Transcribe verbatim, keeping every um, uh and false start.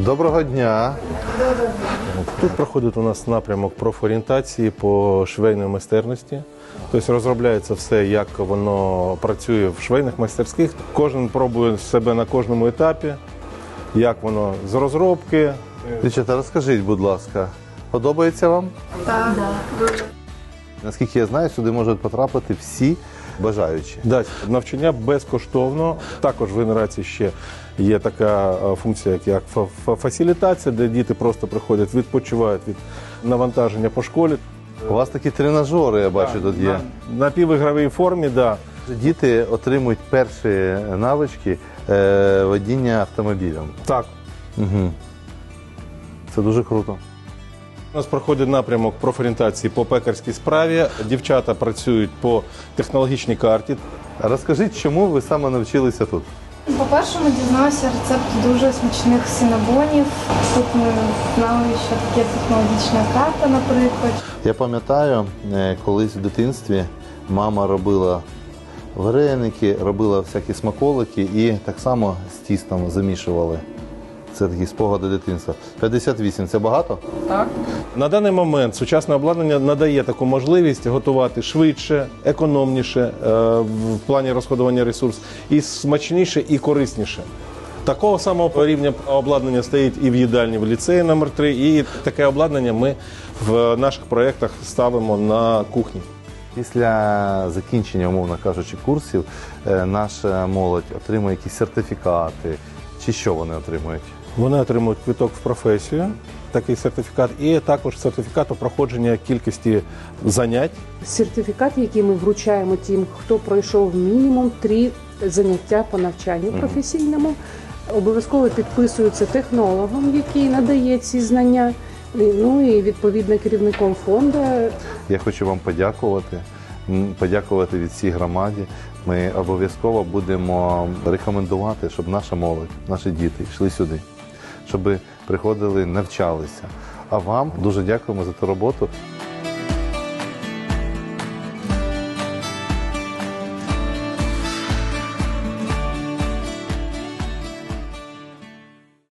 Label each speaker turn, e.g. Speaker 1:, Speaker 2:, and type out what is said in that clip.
Speaker 1: Доброго дня.
Speaker 2: Тут проходить у нас напрямок профорієнтації по швейної майстерності. Тобто розробляється все, як воно працює в швейних майстерських. Кожен пробує себе на кожному етапі, як воно з розробки.
Speaker 1: Дівчата, розкажіть, будь ласка, подобається вам?
Speaker 3: Так, дуже.
Speaker 1: Наскільки я знаю, сюди можуть потрапити всі бажаючі.
Speaker 2: Да, навчання безкоштовно. Також в генерації ще є така е, функція, як фа- фа- фасилітація, де діти просто приходять, відпочивають від навантаження по школі.
Speaker 1: У вас такі тренажери, я бачу, тут є.
Speaker 2: На напівігровій формі, да.
Speaker 1: Діти отримують перші навички е, водіння автомобілем.
Speaker 2: Так.
Speaker 1: Угу. Це дуже круто.
Speaker 2: У нас проходить напрямок профорієнтації по пекарській справі. Дівчата працюють по технологічній карті.
Speaker 1: Розкажіть, чому ви саме навчилися тут?
Speaker 3: По-перше, ми дізналися рецепт дуже смачних синабонів. Тут ми знали, що таке технологічна карта, наприклад.
Speaker 1: Я пам'ятаю, е, колись в дитинстві мама робила вареники, робила всякі смаколики і так само з тістом замішували. Це такі спогади дитинства. п'ятдесят вісім – це багато?
Speaker 2: На даний момент сучасне обладнання надає таку можливість готувати швидше, економніше е, в плані розходування ресурсів, і смачніше, і корисніше. Такого самого рівня обладнання стоїть і в їдальні в ліцеї номер три, і таке обладнання ми в наших проєктах ставимо на кухні.
Speaker 1: Після закінчення, умовно кажучи, курсів, е, наша молодь отримує якісь сертифікати, чи що вони отримують?
Speaker 2: Вони отримують квиток в професію, такий сертифікат, і також сертифікат у проходження кількості занять.
Speaker 4: Сертифікат, який ми вручаємо тим, хто пройшов мінімум три заняття по навчанню професійному, обов'язково підписується технологом, який надає ці знання, ну і відповідно керівником фонду.
Speaker 1: Я хочу вам подякувати, м, подякувати від всій громаді. Ми обов'язково будемо рекомендувати, щоб наша молодь, наші діти йшли сюди, щоб приходили, навчалися. А вам дуже дякуємо за ту роботу.